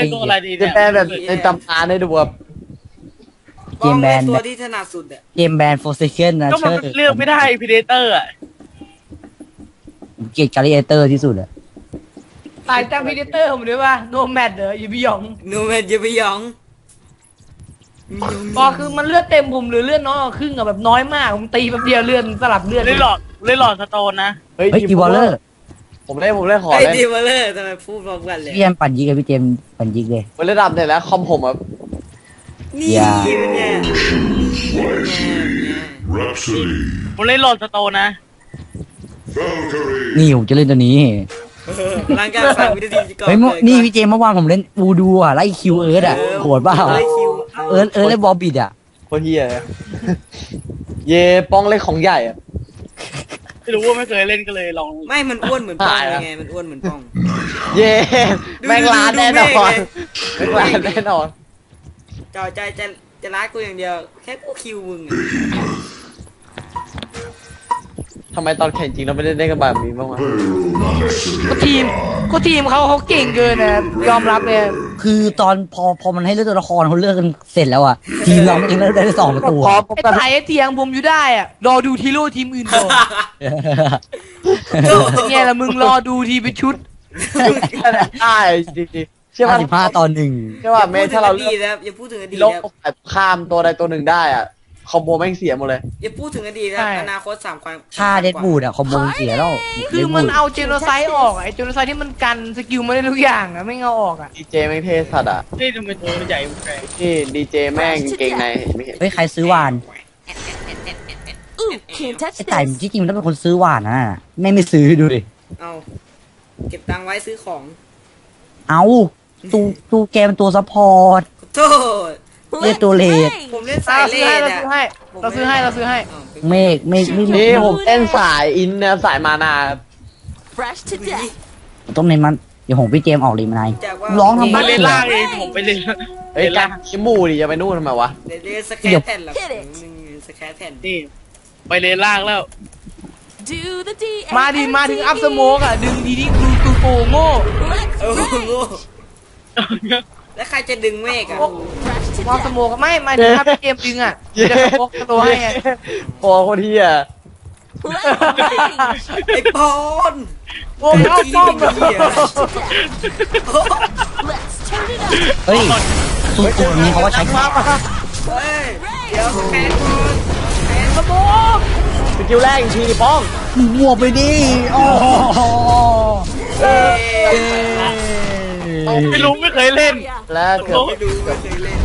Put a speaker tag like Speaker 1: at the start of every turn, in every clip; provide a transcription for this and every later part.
Speaker 1: เป็นตัวอะไรดี
Speaker 2: จะ
Speaker 1: เนี่ย
Speaker 2: แปลแบบในตำนานได้ดูแบบ
Speaker 3: เกมแบนตัวที่ถนัดสุดอะ
Speaker 4: เกมแบนโฟร์เซเคนนะ
Speaker 1: ก็มันเลือกไม่ได้พีเดเตอร์อ่ะ
Speaker 4: ผมเกลียดการิเอเตอร์ที่สุดอะ
Speaker 5: ตายจากพีเดเตอร์ผมด้วยว่าโนแมดเหรออยู่บิยอง
Speaker 3: นูเมนจะไปหยอง
Speaker 5: ก็คือมันเลือดเต็มผมหรือเลือดน้อยกว่าครึ่งอะแบบน้อยมากผมตีแบบเดียวเลือดสลับเลือด
Speaker 1: เล่นหลอดสโตนนะ
Speaker 4: เฮ้ยอีวอลเลอร์
Speaker 2: ผมเล่นขอ
Speaker 3: ไอ้
Speaker 2: เล่น
Speaker 3: ดีมาเลยทำไมพูดพร้อมกันเลย
Speaker 4: พี่เจมปั่นยิกเลยพี่เจมปั่นยิกเลย
Speaker 2: เวลาดับเนี่ยแล้วคอมผมแบบ
Speaker 3: นี่
Speaker 4: อย่า
Speaker 3: เป็นไง
Speaker 6: Rhapsody.
Speaker 1: ผมเล่นหลอดสโตนนะ
Speaker 6: Valkyrie.
Speaker 4: นี่ผมจะเล่นตัวนี้
Speaker 3: ร่างกายสั่งวิธีก่อน
Speaker 4: เฮ้ยนี่พี่เจมเมื่อวานผมเล่นวูดูอะไล่คิวเอิร์ธอะโหดเปล่า
Speaker 3: ไล่คิว
Speaker 4: เอิร์ธเล่นบอลบิดอะ
Speaker 2: โคตรเฮียเลยเย่ป้องเล่นของใหญ่อะ
Speaker 1: ไม่รู้ว่าไม่เคยเล่นก็เลยลอง
Speaker 3: ไม่มันอ้วนเหมือนป้อง
Speaker 2: ตายแล้ว
Speaker 3: ไงมันอ้วนเหมือนป้อง
Speaker 2: เย่แม่งล้านแน่นอน
Speaker 3: ดู
Speaker 2: แม่งล้านแน่นอน
Speaker 3: จ่อใจจะรักกูอย่างเดียวแค่กูคิวมึงอะ
Speaker 2: ทำไมตอนแข่งจริงเราไม่ได้เล่นกันแบบนี้บ้างวะ
Speaker 5: ก็ทีมเขาเก่งเกินนะยอมรับเลย
Speaker 4: คือตอนพอมันให้เลือกตัวละครเขาเลือกกันเสร็จแล้วอะทีมเราไม่เองเลือกได้2 ประตู
Speaker 2: พอ
Speaker 4: อะ
Speaker 2: ผม
Speaker 5: ไอ้
Speaker 2: ก็
Speaker 5: ไถ่เถียงผมอยู่ได้อะรอดูทีโร่ทีมอื่นก่อนเนี่ยละมึงรอดูทีเป็นชุด
Speaker 2: ได้จริงๆเชื่อว่า
Speaker 4: 55-1
Speaker 2: เชื่อว่าเมทถ้าเราเลือก
Speaker 3: อย่าพูดถึงอดีต
Speaker 2: โลก
Speaker 3: นะ
Speaker 2: แบบข้ามตัวใดตัวหนึ่งได้อ่ะคอมโบแม่งเสียหมดเลย
Speaker 3: อย่าพูดถึงอดีตนะ
Speaker 5: ใช่
Speaker 3: อนาคต3 ความ
Speaker 4: ค่าเดดบูดอะคอมโบเสียแล้ว
Speaker 5: คือมันเอาเจโนไซด์ออกไอ้เจโนไซด์ที่มันกันสกิลไม่ได้ทุกอย่างอะไม่เอาออกอะ
Speaker 2: ดีเจแม่งเทสัตว์อ่ะ
Speaker 1: นี่ทำไมตัวมันใหญ่แปลก
Speaker 2: นี่ดีเจแม่งเก่งในไม่เห็น
Speaker 4: เฮ้ยใครซื้อวาน
Speaker 7: Ooh, can't touch
Speaker 4: ไอ้ไต่
Speaker 7: this.
Speaker 4: ที่จริงมันต้องเป็นคนซื้อวานนะไม่ซื้อดูดิ
Speaker 3: เอาเก็บตังค์ไว้ซื้อของ
Speaker 4: เอาตูแกมันตัวซัพพอร์ต
Speaker 3: ขอโทษ
Speaker 4: เรียกตัวเลด
Speaker 3: ผมเล่นสายเลดอะ
Speaker 5: เราซื้อให้
Speaker 4: เมฆ
Speaker 2: นี่ผมเล่นสายอินเนี่ยสายมานา
Speaker 7: Fresh to death.
Speaker 4: ต้องในมันเดี๋ยวผมพี่เจมออกรีมานาย
Speaker 3: จากว่า
Speaker 4: ร้อง
Speaker 1: ๆ
Speaker 4: ทำไม
Speaker 1: มาเล่นล่างเองผมไปเล่น
Speaker 2: เฮ้ยการคิมูดิจะไปนู่นทำไมวะ
Speaker 3: เดี๋ยวสแครแผ่นหรอสแครแผ่น
Speaker 1: นี่ไปเล่นล่างแล้ว
Speaker 7: Do the D.
Speaker 5: มาถึงอัพสโมกอะดึงดีที่ดูโกโง่
Speaker 3: โอ้โหแล้วใครจะดึงเมฆอะ
Speaker 7: Fresh to
Speaker 5: มองส
Speaker 7: death.
Speaker 5: โมกไม่มาถึงอัพเกมดึงอะจะสโมกตัวให้ไง
Speaker 2: โอ้โคตรเฮีย
Speaker 7: Let's range.
Speaker 3: ไอ้ปอน
Speaker 5: โอ้เข้าป้อมเลย
Speaker 7: Let's turn it up.
Speaker 4: เฮ้ยตัวนี้เขาว่าใช้
Speaker 3: เฮ้ยเดี๋ยวแพ้ก่อน
Speaker 5: สโมก
Speaker 2: สกิลแรกอีกทีดิป้อง
Speaker 4: บวกไปดิโอ้โห
Speaker 1: ไม่รู้ไม่เคยเล่น
Speaker 2: แล้วเกือบ
Speaker 3: ไม่ดูไม่เคยเล่น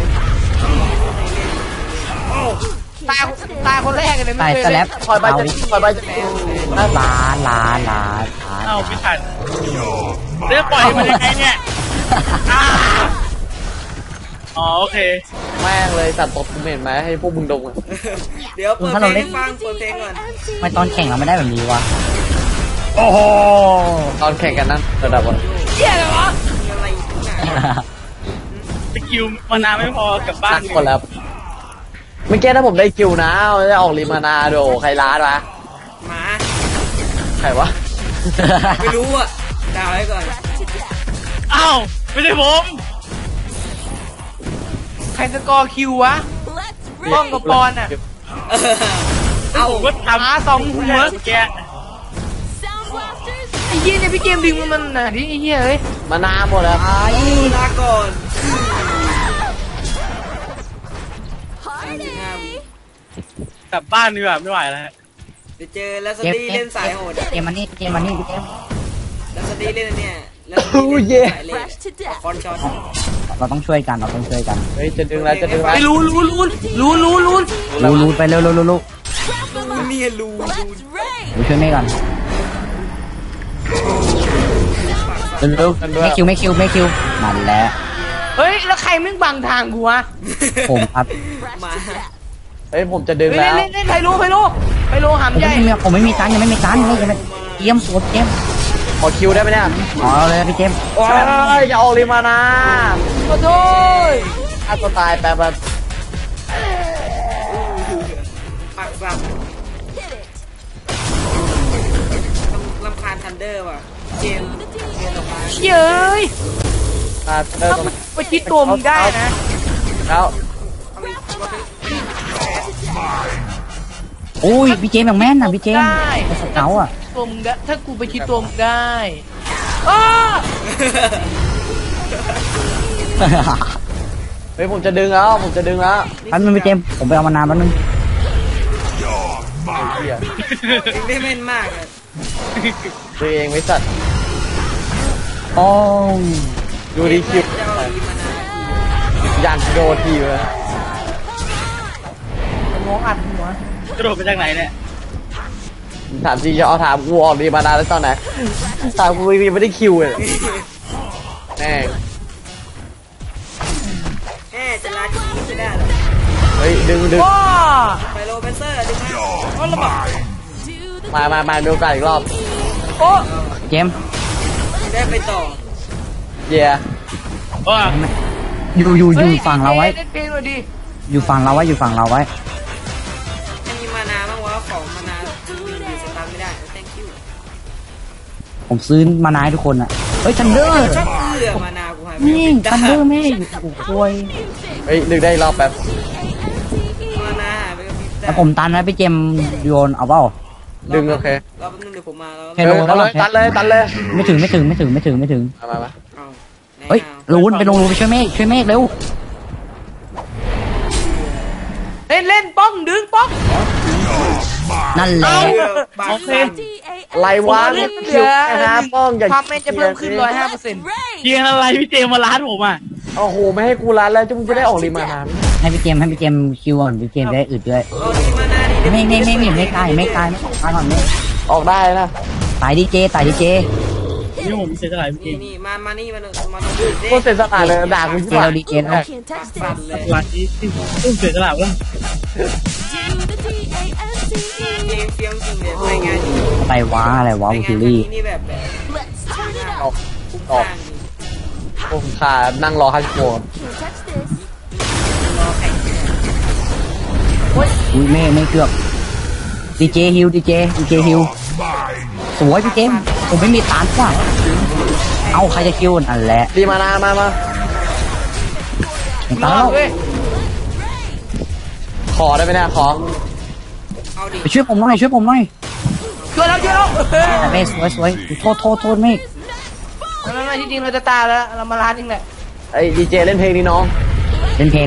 Speaker 5: ตายคนแรกเลย
Speaker 4: ไต่
Speaker 5: ไม่เคย
Speaker 4: สแล
Speaker 5: เล่
Speaker 4: ป
Speaker 5: น
Speaker 2: คอยไป
Speaker 4: เอา
Speaker 2: จะ
Speaker 4: ดิ
Speaker 2: คอยไปจะ
Speaker 4: ล้าน
Speaker 1: เอ้าไม่ทันเลือกปล่อยมันยังไงเนี่ยอ๋อโอเค
Speaker 2: แม่งเลยสัตว์ตบกูเห็นไหมให้พวกมึงดงอ่ะ
Speaker 3: เดี๋ยวเปิดเพลงให้ฟังเปิดเพลงก่อน
Speaker 4: ทำไมตอนแข่งเราไม่ได้แบบนี้วะโอ้โห
Speaker 2: ตอนแข่งกันนั้นระดับวัน
Speaker 5: เหี้ยอะไรวะ
Speaker 3: มีอะไรอีกนะ
Speaker 1: สกิลมานานไม่พอกลับบ้า
Speaker 2: ตั้
Speaker 1: น
Speaker 2: งคนแล้วเมื่อกี้ถ้าผมได้คิวนะจะออกริมานาโดใครล้านวะ
Speaker 3: หมา
Speaker 2: ใครวะ
Speaker 3: ไม่รู้อ่ะด่าไว้ก่อน
Speaker 1: อ้าวไม่ใช่ผม
Speaker 5: ใครสกอร์คิววะ
Speaker 7: Let's
Speaker 5: ป้อง
Speaker 7: range.
Speaker 5: กับปอนอะ
Speaker 3: เอา
Speaker 1: ผมก็ทำ
Speaker 5: หาสองหัว
Speaker 1: เมื่อกี้
Speaker 7: Sound blasters.
Speaker 5: ไอ้เหี้ยเนี่ยพี่เกมดึงมันน่ะที่ไอ้เหี้ยเอ้ย
Speaker 2: มานาหมดแล้ว
Speaker 3: ลาก่อน
Speaker 7: Party.
Speaker 1: กลับบ้านดีกว่าไม่ไหวแล้ว
Speaker 3: เดี๋ยวเจอแล้วสตีเล่นสายโหด
Speaker 4: เกมมันนี่พี่เจม
Speaker 3: แล้วสตีเล่นอันเนี่ยแล้วสตีเล่นสายเลด
Speaker 7: Fresh to death.
Speaker 3: คอนช็อต
Speaker 4: เราต้องช่วยกัน
Speaker 2: เฮ้ยจะดึงแล้วจะดึงแล้ว
Speaker 5: ไม่รู้
Speaker 4: รูไปเร็ว
Speaker 3: นี่รู
Speaker 7: Let's range.
Speaker 4: ช่วยเมฆก่อนเร็วไม่คิวมันแล้ว
Speaker 5: เฮ้ยแล้วใครมึงบังทางกูวะ
Speaker 4: ผมครับ
Speaker 7: Fresh
Speaker 3: มา
Speaker 7: to death.
Speaker 2: เฮ้ยผมจะดึง
Speaker 5: เฮ้ย
Speaker 2: แล้ว
Speaker 5: เล่นไทโลหามใหญ่
Speaker 4: ผมไม่มีตันยังไม่มีตันไม่ยังไม่เกมสวดเกม
Speaker 2: ขอคิวได้ไหมเนี่ย
Speaker 4: อ๋อเลยพี่เจม
Speaker 2: โอ้ยจะออกริมานา
Speaker 5: ขอโทษ
Speaker 2: ถ้าตัวตายแปลว่า
Speaker 3: ปักสับ
Speaker 7: Hit it.
Speaker 3: ลำคาญทันเดอร์ว่ะเจมออกมา
Speaker 5: เฮ้ย
Speaker 2: เริ่ม
Speaker 5: มันประชิดตัวมึงได้นะ
Speaker 2: แล้ว
Speaker 4: โอ้ยพี่เจมส์อย่างแม่นนะพี่เจมส์
Speaker 5: ได้
Speaker 4: ไอ้สเกาต์อ่ะ
Speaker 5: ตัวมึงได้ถ้ากูประชิดตัวมึงได้อ้า
Speaker 2: เฮ้ยผมจะดึงแล้วผมจะดึงแล้ว
Speaker 4: แป๊บนึงพี่เจมส์ผมไปเอามานานแป๊บนึง
Speaker 2: ไอ้เหี้ย
Speaker 3: ดึงได้แม่นมากเลย
Speaker 2: ตัวเองไม่สัตว์
Speaker 4: โอ้ย
Speaker 2: ดูดีคิว
Speaker 3: จะเอาดีมานาน
Speaker 2: อยากโดนทีเลย
Speaker 5: มองอัดหัว
Speaker 1: กระโดดไปจากไหนเนี่ย
Speaker 2: ถามจริงจะเอาถามกูออกดีมานานแล้วตอนไหนถามกูไม่ได้คิวเลยแม่ง
Speaker 3: แม่จะลาทีไม่ได้หรอ
Speaker 2: เฮ้ยดึง
Speaker 5: ว้า
Speaker 3: ไปโรเบนเซอร์ดึงมา
Speaker 5: เอาละมา
Speaker 2: มาดูกันอีกรอบ
Speaker 5: โอ้
Speaker 4: เจมส์
Speaker 3: ได้ไปต่อ
Speaker 2: เย่
Speaker 1: ว่า
Speaker 4: อยู่ฝั่งเราไว้
Speaker 5: เล่นเพลงหน่อยดิ
Speaker 4: อยู่ฝั่งเราไว้อยู่ฝั่งเราไว้
Speaker 3: จะมีมานาบ้างวะของมานาอยู่สตาร์ไม่ได้ thank you
Speaker 4: ผมซื้อมานายทุกคนอ่ะเฮ้ยทันเดอร์
Speaker 3: ชอบเลือมานากูหายไป
Speaker 4: นี่ทันเดอร์แม่อยู่โอ้โหย
Speaker 2: เฮ้ยดึงได้อีกรอบแป๊บ
Speaker 3: มานาหายไปกับพี่
Speaker 4: แล้วผมตันนะพี่เจมส์โยนเอาเปล่า
Speaker 2: ดึงโอเค
Speaker 3: รอแป๊บนึงเดี๋ยวผมมาแล้ว
Speaker 4: เฮ้ย
Speaker 2: เอาเลยตัดเลย
Speaker 4: ไม่ถึงไม่ถึง
Speaker 2: มา
Speaker 3: เอา
Speaker 4: เฮ้ยลูนไปลงรูไปช่วยเมฆเร็ว
Speaker 5: เล่นป้องดึงป้อง
Speaker 4: นั่นแหละ
Speaker 3: บาง
Speaker 1: โอเค
Speaker 2: ไรวะ
Speaker 5: เล่นเห
Speaker 2: คิ
Speaker 5: ลื
Speaker 2: ว
Speaker 5: อ
Speaker 2: นะป้องอย่า
Speaker 5: ความแม่นจะเพิ่มขึ้น 105%
Speaker 1: เกียงอะไรพี่เจมมาล้านผมอ่ะ
Speaker 2: โอ้โหไม่ให้กูรันแล้วจะมึงจะได้ออกรีมานาน
Speaker 4: ให้พี่เจมส์คิวก่อนพี่เจมส์ได้อึดด้วย
Speaker 3: เอาดีมานาดิ
Speaker 4: ไม่ตายไม่ตายก่อนไม่
Speaker 2: ออกได้นะ
Speaker 4: ตายดีเจ
Speaker 1: นี่ผมเสียสละพี่เจ
Speaker 3: นี่
Speaker 1: ม
Speaker 3: นี่มานี่มาดู
Speaker 2: โคตรเสียสละเลยด่ากูที่
Speaker 4: เจ
Speaker 2: ว่า
Speaker 4: เราดีเจแล้ว
Speaker 7: Can't touch
Speaker 3: ปัด
Speaker 7: this.
Speaker 3: เลย
Speaker 1: หลังนี้ต้องเสียสละวะ
Speaker 7: Do the D-A-N-C-E.
Speaker 3: เกมเฟี้ยงจริงเลยรายงานดี
Speaker 4: อะไรวะ
Speaker 3: ราย
Speaker 4: บู
Speaker 3: งาน
Speaker 4: ซิลี่
Speaker 3: นี่แบบ
Speaker 7: Let's turn it
Speaker 2: ออก
Speaker 7: up.
Speaker 3: คุ้ม
Speaker 2: ออก
Speaker 3: ค่าจริง
Speaker 2: พวกขานั่งรอ50 โมง
Speaker 7: Can't touch this.
Speaker 3: รอแข่ง
Speaker 4: อุ้ยไม่เกือบดีเจฮิวสวยพี่เจมส์ผมไม่มีตานว่ะเอาใครจะคิวอันแหละ
Speaker 2: รีมานามา
Speaker 5: ร
Speaker 4: ตา
Speaker 5: อ
Speaker 4: แล้ว
Speaker 5: เว้ย
Speaker 2: ขอได้ไหมเนี่ยขอ
Speaker 3: เอาดิ
Speaker 4: ไปช่วยผมหน่อย
Speaker 5: ช่วยแล้ว
Speaker 4: เมฆสวยโทษเมฆ
Speaker 5: ไม่ที่จริงเราจะตายแล้วเรามาร้านเองแหละ
Speaker 2: ไอ้ดีเจเล่นเพลงนี้น้อง
Speaker 4: เล่นเพลง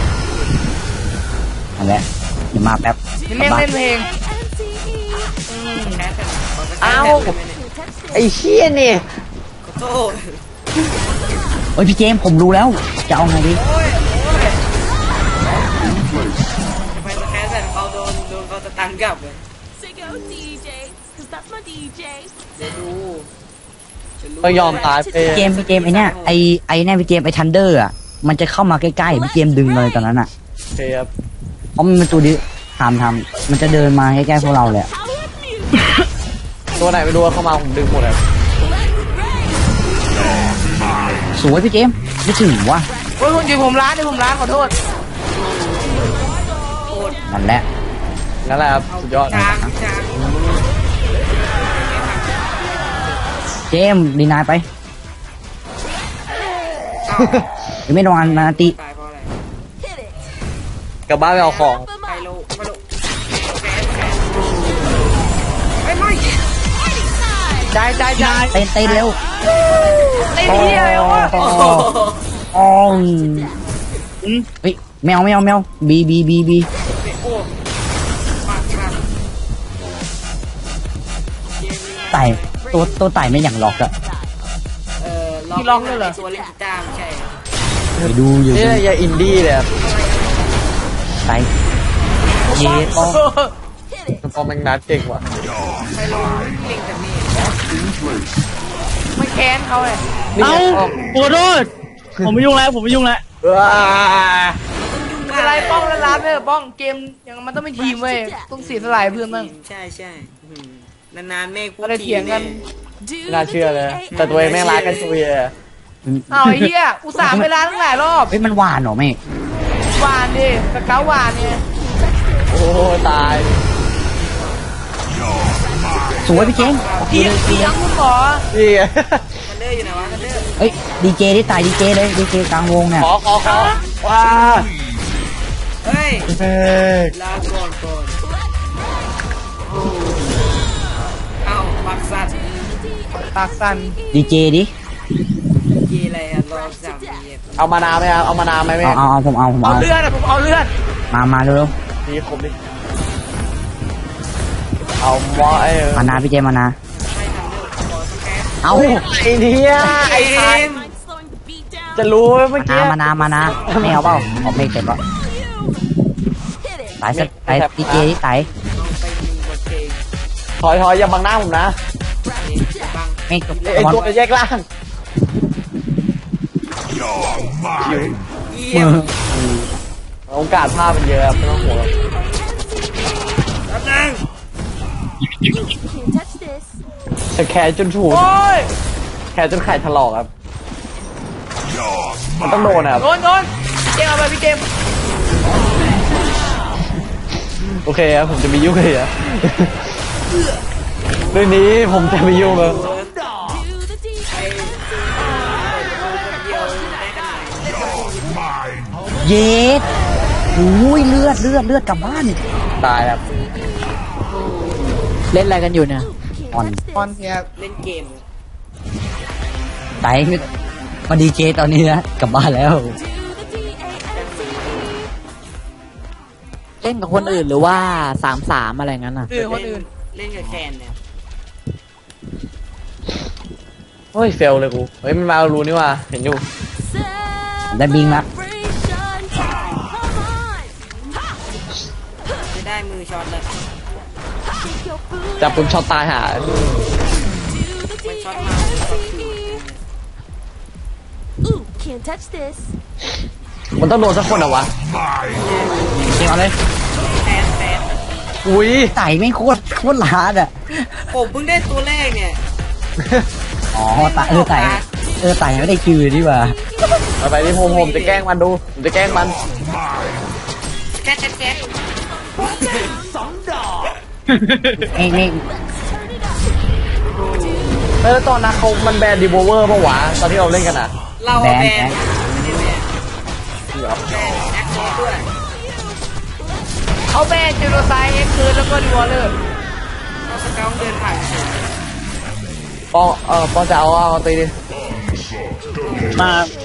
Speaker 4: อันแหละเดี๋ยวมาแป๊บ
Speaker 5: เล่นเพลง
Speaker 7: A-N-C-E.
Speaker 3: แคส
Speaker 2: เอ้า
Speaker 7: Can't touch this.
Speaker 2: ไอ้เชี่ยนี่
Speaker 3: ขอโทษ
Speaker 4: เฮ้ยพี่เจมส์ผมรู้แล้วจะเอาไงดี
Speaker 3: โอ้ยไปสแคสแต่เขาโดนเขาจะตันกลับเลย
Speaker 7: Say go DJ, 'cause that's my DJ.
Speaker 3: เดี๋ยวดูจะรู้
Speaker 2: ต้องยอมตายไป
Speaker 4: พี่เจมส์ไอเนี่ยไอเนี่ยพี่เจมส์ไอทันเดอร์อ่ะมันจะเข้ามาใกล้ๆพี่เจมส์ดึงเลยตอนนั้นอ่ะ
Speaker 2: โอเคครับ
Speaker 4: เพราะมันเป็นตัวดิทำมันจะเดินมาใกล้ๆพวกเราเลยอะ
Speaker 2: ตัวไหนไม่รู้ว่าเข้ามาผมดึงหมดเลย
Speaker 4: สวยพี่เจมส์ไม่ถึงว่ะ
Speaker 5: โอ้ยเดี๋ยวผมร้านขอโทษ
Speaker 4: นั่นแหละ
Speaker 2: นั่นแหละครับสุดยอด
Speaker 3: ช้าง
Speaker 4: เจมส์ดีนายไปเดี๋ยวไม่โดนนาตี
Speaker 3: ตายเพราะอะไร
Speaker 7: Hit it.
Speaker 2: กลับบ้านไปเอาของ
Speaker 7: Up 'em
Speaker 3: ไป
Speaker 7: up.
Speaker 3: โลไปโลแคสไม่
Speaker 5: ได้
Speaker 4: เต้นเร็ว
Speaker 5: เล่นที่อะไรวะ
Speaker 4: อ๋อเฮ้ยแมวบี
Speaker 3: โอ้ปากปากเกมนี้
Speaker 4: ไต่ตัวไต่ไม่อย่างล็อกอะ
Speaker 3: ล็อกเลยเหรอตัวเล่นกีตาร์ไม่ใช่
Speaker 4: ไปดูอยู่
Speaker 2: นี่อย่าอินดี้เลยครับ
Speaker 4: ไต่เย่ต้อง
Speaker 2: พอแมงนัดเก่งว่ะ
Speaker 3: ไปลงเล่นกับนี่
Speaker 5: ไม่แค้นเขาเลย
Speaker 2: นี่
Speaker 1: เอ้า
Speaker 2: ไงป้อง
Speaker 1: ขอโทษผมไม่ยุ่งแล้ว
Speaker 2: ว้า
Speaker 5: อะไรป้องแล้วร้านไม่ป้องเกมอย่างมันต้องเป็นทีมเว้ยต้องเสียสลายเพื่อนบ้าง
Speaker 3: ใช่ใช่นานๆเมฆพูด
Speaker 5: อะไรเถียงกัน
Speaker 7: Do
Speaker 2: ไม่น่าเชื่อเลย แต่ตัวเองแม่งรักกันตัวเอง
Speaker 5: อ้าวไอ้เหี้ยอุตส่าห์ไปร้านตั้งหลายรอบ
Speaker 4: เฮ้ยมันหวานเหรอแม่
Speaker 5: หวานดิสเกาหวานไง
Speaker 2: โอ้ตาย
Speaker 4: สสวยพี่เจมส์
Speaker 5: เทียงคุณหมอ
Speaker 2: นี่ไง
Speaker 3: ทันเดอร์อยู่ไหนวะทันเดอร์
Speaker 4: เอ้ยดีเจได้ตายดีเจเลยดีเจกลางวงเนี่ย
Speaker 2: ขอว้า
Speaker 3: เฮ้ย
Speaker 2: เฮ้ย
Speaker 3: ลาก่อนเอ้าปักสัตว์
Speaker 5: ปากสั่น
Speaker 4: ดีเจดิ
Speaker 3: กีอะไรอะรอสามเย็บ
Speaker 2: เอามานาวไหมครับเอามานาวไหมแม่
Speaker 4: เอาผมเอา
Speaker 5: เอาเลือดอะผมเอาเลือด
Speaker 4: มาเร็ว
Speaker 2: นี่ครบดิเอาหมอไอ้
Speaker 4: ๆมานาพี่เจมส์มานา
Speaker 3: ให้ทันเดอร์ขอสแกน
Speaker 4: เอา
Speaker 2: ไอ้เนี่ยไอ้
Speaker 3: เอ็ม
Speaker 7: Mind slowing the beat down.
Speaker 2: จะรู้ไหมเมื่อกี้
Speaker 4: มานาไม่เอาเปล่าเอาเพลงเสร็จแล้ว
Speaker 7: Hit it.
Speaker 4: ตายสักตายดีเจที่ตาย
Speaker 3: ลองไปยิงบทเพลง
Speaker 2: ถอยอย่าบังหน้าผมนะ
Speaker 3: บัง
Speaker 4: ไม่กับ
Speaker 2: ไอ้
Speaker 4: บอล
Speaker 2: ตัวแยกล่าง
Speaker 3: เยี่ยม
Speaker 2: โอกาสพลาดเป็นเยอะครับไม่ต้องห่วง
Speaker 3: แป๊บนึง
Speaker 7: Can't touch this.
Speaker 2: จะแขนจนฉูด
Speaker 5: โอ้ย
Speaker 2: แขนจนไข่ถลอกครับมันต้องโดนครับ
Speaker 5: โดนพี่เจมส์เอาไปพี่เจมส์
Speaker 2: โอเคครับผมจะไม่ยุ่งเลยอะเรื่องนี้ผมจะไม่ยุ่งเลย
Speaker 7: Do the deed.
Speaker 3: ไอ้คนเดียวได้ขนาดไหน
Speaker 4: เย็ดโอ้ยเลือดกลับบ้าน
Speaker 2: ตายครับ
Speaker 4: เล่นอะไรกันอยู่เนี่ย
Speaker 7: Can't
Speaker 4: อ่อน
Speaker 7: touch
Speaker 5: บอล
Speaker 7: this.
Speaker 5: เนี่ย
Speaker 3: เล่นเกม
Speaker 4: ไตมาดีเจตอนนี้นะกลับบ้านแล้ว
Speaker 7: Do the D-A-N-C-E.
Speaker 6: เล่นกับคนอื่นหรือว่า3-3อะไรงั้นอ่ะ
Speaker 5: คนอื่น
Speaker 3: เล่นกับแคนเนี่ย
Speaker 2: เฮ้ยเฟลเลยกูเฮ้ยมันมารู้นี่ว่าเห็นอยู่
Speaker 4: ได้บิงละ
Speaker 7: Celebration time. Come on.
Speaker 3: ไม่ได้มือช็อตเลย
Speaker 7: Shake your booty.
Speaker 2: จับปุ๊บช็อตตายหา
Speaker 7: Do the
Speaker 3: มันช็อตมามือช็อตคืน
Speaker 7: D-A-N-C-E. Ooh, can't touch this.
Speaker 2: มันต้องโดนสักคนเหรอวะ
Speaker 4: เอาเลย
Speaker 3: แฟน
Speaker 2: อุ้ย
Speaker 4: ไต่ไม่โคตรล้าอ่ะ
Speaker 3: ผมเพิ่งได้ตัวแรกเนี่ย
Speaker 4: อ๋อไต่ไม่ได้คิวดีกว่า
Speaker 2: ไปที่ผมจะแกล้งมันดูผมจะแกล้งมัน
Speaker 3: แก๊ส
Speaker 4: นี่
Speaker 2: แล้วตอนนั้นเขามันแบนดีโวเวอร์ปะวะตอนที่เราเล่นกันอ่ะ
Speaker 3: เรา
Speaker 4: แบ
Speaker 3: แบ
Speaker 4: น
Speaker 3: นไม่ได้แบนแบนแอคเซสด้วย
Speaker 5: เขาแบนเจโรไซด์เอ็กซ์คืนแล้วก็ดีวอลเลอร์
Speaker 3: เราสเกลเดินผ่าน
Speaker 2: ปองจะเอาตีดิ
Speaker 1: มา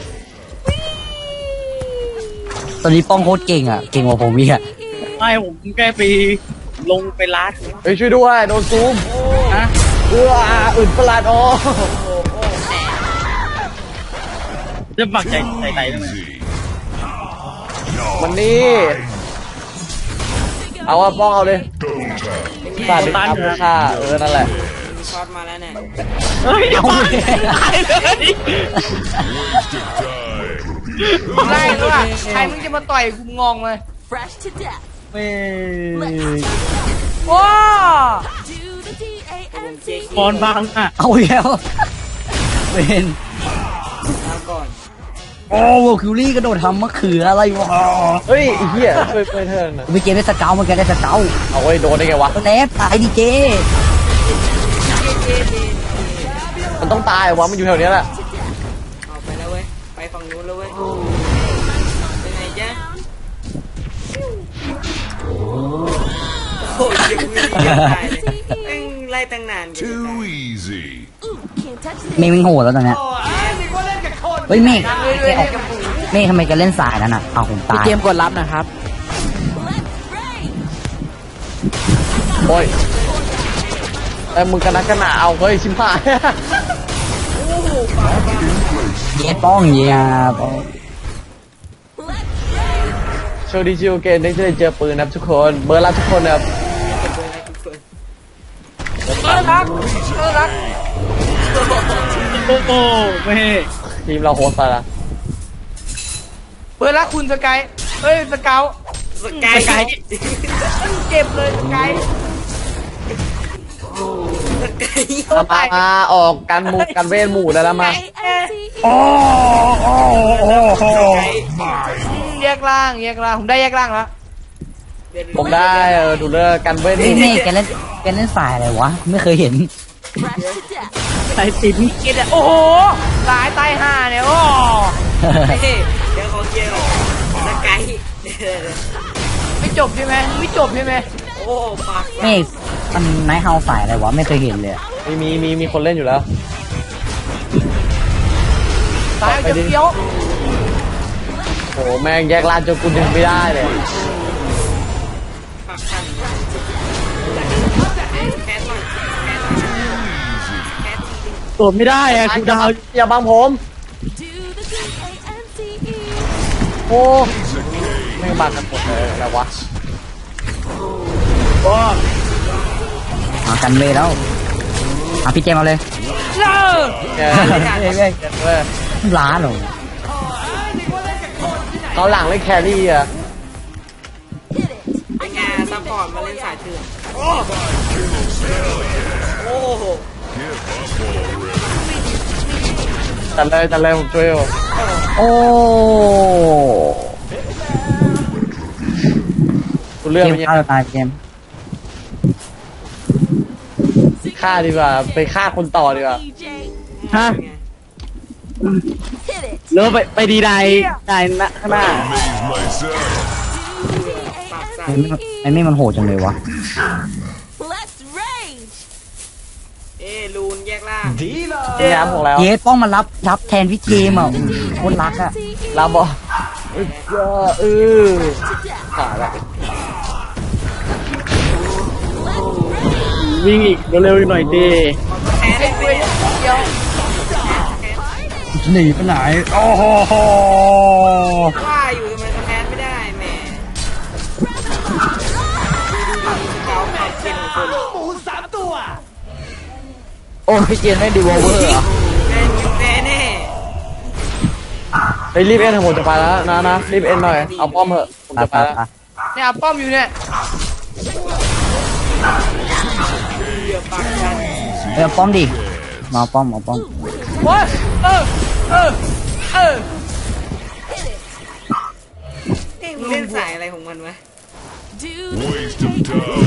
Speaker 4: ตอนนี้ป้องโคตรเก่งอ่ะเก่งกว่าผมอีกอ่ะ
Speaker 1: ไม่ผมแค่ไปลงไปลัด
Speaker 2: เฮ้ยช่วยด้วยโดนซูม
Speaker 1: นะ
Speaker 2: อื่นประหลาดอ๋อ
Speaker 1: จะปักใจไหนทำไม
Speaker 2: วันนี้เอาว่าป้องเอาเลยฟาดดิครับค่านั่นแหละ
Speaker 3: มีช็อตมาแล้วเนี่ย
Speaker 1: เฮ้ยอย่ามาตายเลย
Speaker 5: ได้ด้วยว่ะใครมึงจะมาต่อยกูงงเลย
Speaker 7: Fresh to death.
Speaker 2: ไม่
Speaker 5: ว้า
Speaker 7: Do the D-A-N-C-E.
Speaker 1: บอลบังอ่ะ
Speaker 4: เอาแล้วเป็น
Speaker 3: เอาก่อน
Speaker 4: โอ้โหคิวรี่กระโดดทำมะเขืออะไรวะ
Speaker 2: เฮ้ยไอ้เหี้ยเพื่อนเธอนะ
Speaker 4: ไปเกมได้สเกลมันแกได้สเกล
Speaker 2: เอาไว้โดนได้ไงวะ
Speaker 4: แล้วตายดีเจ
Speaker 2: มันต้องตายวะมันอยู่แถวเนี้ยแหละ
Speaker 3: เอาไปแล้วเว้ยไปฝั่งนู้นแล้วเว้ยเป็นไงจ๊ะโอ้ยยังไม่ได้ตายเลยเอ็งไล่ตั้งนานกันจะตาย
Speaker 8: easy.
Speaker 7: Ooh, can't touch
Speaker 4: เม
Speaker 7: this.
Speaker 4: ฆมันโหดแล้วตอนเนี้ยเฮ้ยเมฆเมฆทำไมแกเล่นสายนั่นอ่ะเอาผม
Speaker 6: พี่
Speaker 4: ตาย
Speaker 6: เจมส์กดรับนะครับ
Speaker 2: โอ้ยแต่มึงกันนักกันหนาเอาเฮ้ยชิมหาย
Speaker 4: เย้ป้องเย้ป้อง
Speaker 2: โชว์ดีจิวเกนได้เจอปืนนะครับทุกคนเบอร์รับทุกคนนะครับ
Speaker 5: รักรัก
Speaker 1: โอ้โหไม่
Speaker 2: ทีมเราโฮสต์ไปละ
Speaker 5: เปิดรักคุณสกายเฮ้ยสเกล
Speaker 3: สกาย
Speaker 5: เจ็บเลยสกาย
Speaker 3: สกาย
Speaker 2: มาออกกันเวทหมู่ได้แล้วมา
Speaker 7: D-A-N-C-E.
Speaker 5: แยกล่างผมได้แยกล่างแล้ว
Speaker 2: ผมได้ดูเลือกกันเว้น
Speaker 4: เฮ้ยเมฆแกเล่นสายอะไรวะไม่เคยเห็น
Speaker 7: Fresh to death.
Speaker 1: ใส่ติด
Speaker 5: เกตโอ้โหสายใต้ห่าเนี่ยโอ้
Speaker 3: เดี๋ยวขอเกียร์สกาย
Speaker 5: ไม่จบใช่ไหมไม่จบใช่ไหม
Speaker 3: โอ้ปาก
Speaker 4: เมฆมันไนท์เฮาสายอะไรวะไม่เคยเห็นเลยอะ
Speaker 2: มีคนเล่นอยู่แล้ว
Speaker 5: สายจะเกี้ยว
Speaker 2: โอ้แม่งแยกลานจนกูดึงไม่ได้เลย
Speaker 3: ปากสั่นแคทหน่อยแคทที
Speaker 1: โดดไม่ได้อะคุณดาว
Speaker 2: อย่าบังผม
Speaker 7: Do the D-A-N-C-E.
Speaker 2: โอ้ไม่งบังกันหมดเลยอะไรวะ
Speaker 4: มากันเวแล้วพี่เจมเอาเลย
Speaker 5: เลิก
Speaker 2: แกเว้ยเว้ย
Speaker 4: ล้าเหรอ
Speaker 2: เขาหลังเล่นแครี่อ่ะ
Speaker 7: Hit it.
Speaker 3: เป็นไงซัพพอร์ตมาเล่นสายเถื่อนโอ้โห
Speaker 2: จัดเลยผมช่วยอยู่
Speaker 4: โอ้
Speaker 2: กูเลือก
Speaker 4: เกม
Speaker 2: ไป
Speaker 4: ฆ่าตัวตายเกม
Speaker 2: ฆ่าดีกว่าไปฆ่าคนต่อดีกว่า
Speaker 7: DJ.
Speaker 1: ฮะ
Speaker 7: Hit it.
Speaker 1: เลิกไปดีได้นะข้างหน้า
Speaker 3: ปากสั่น
Speaker 4: ไอ้เมฆมันโหดจังเลยวะ
Speaker 7: Let's rage.
Speaker 3: ลูนแยกล่าง
Speaker 2: นี่น้ำของแล้ว
Speaker 4: เยสป้องมารับแทนพี่เจมอ่ะโคนรักอ่ะ
Speaker 2: ลาบอขาดละ
Speaker 1: วิ่งอีกเร็วๆอีกหน่อยดี
Speaker 3: แคท
Speaker 5: ไอ้เว้ยเกี้ยว
Speaker 4: หนีไปไหนโอ้โห
Speaker 3: ว่าอยู่ทำไมสแคทไม่ได้แหมดูสเกลความเก่งของคน
Speaker 6: โอ้พี่เจนไม่ดีวอลเวอร์เหรอ
Speaker 3: แน่แน่
Speaker 2: ไปรีบเอ็นผมจะไปแล้วนะรีบเอ็นหน่อยเอาป้อมเถอะผมจะไปแล้ว
Speaker 5: เนี่ยป้อมอยู่เนี่ย
Speaker 3: เหยื่อปากสั่น
Speaker 4: เอาป้อมดิมาเอาป้อม
Speaker 5: โอ้ยเออ
Speaker 3: มึงเล่นสายอะไรของมันวะ
Speaker 7: Do the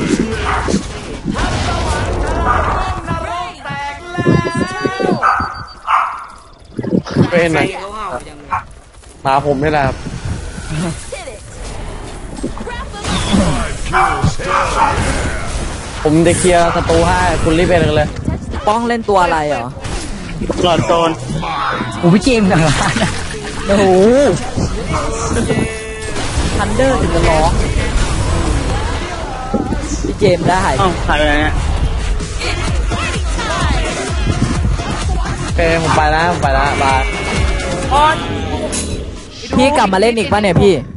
Speaker 7: D-A-N-C-E.
Speaker 2: ไปเอ็นหน่อย
Speaker 3: เขาเห่าจังเลย
Speaker 2: มาผมนี่แหละครับ
Speaker 7: Hit it. Wrap 'em.
Speaker 2: ผมจะเคลียร์ศัตรูให้คุณรีบเอ็นกันเลย
Speaker 6: ป้องเล่นตัวอะไรเหรอ
Speaker 1: หลอดโซน
Speaker 4: โอ้พี่เจมกันละโอ้โห
Speaker 6: ทันเดอร์ถึงจะร้องพี่เจมได้
Speaker 1: อ้าวหายไปไหนเนี่ย
Speaker 2: โอเคผมไปแล้วบาย
Speaker 5: ออน
Speaker 6: พี่กลับมาเล่นอีกป่ะเนี่ยพี่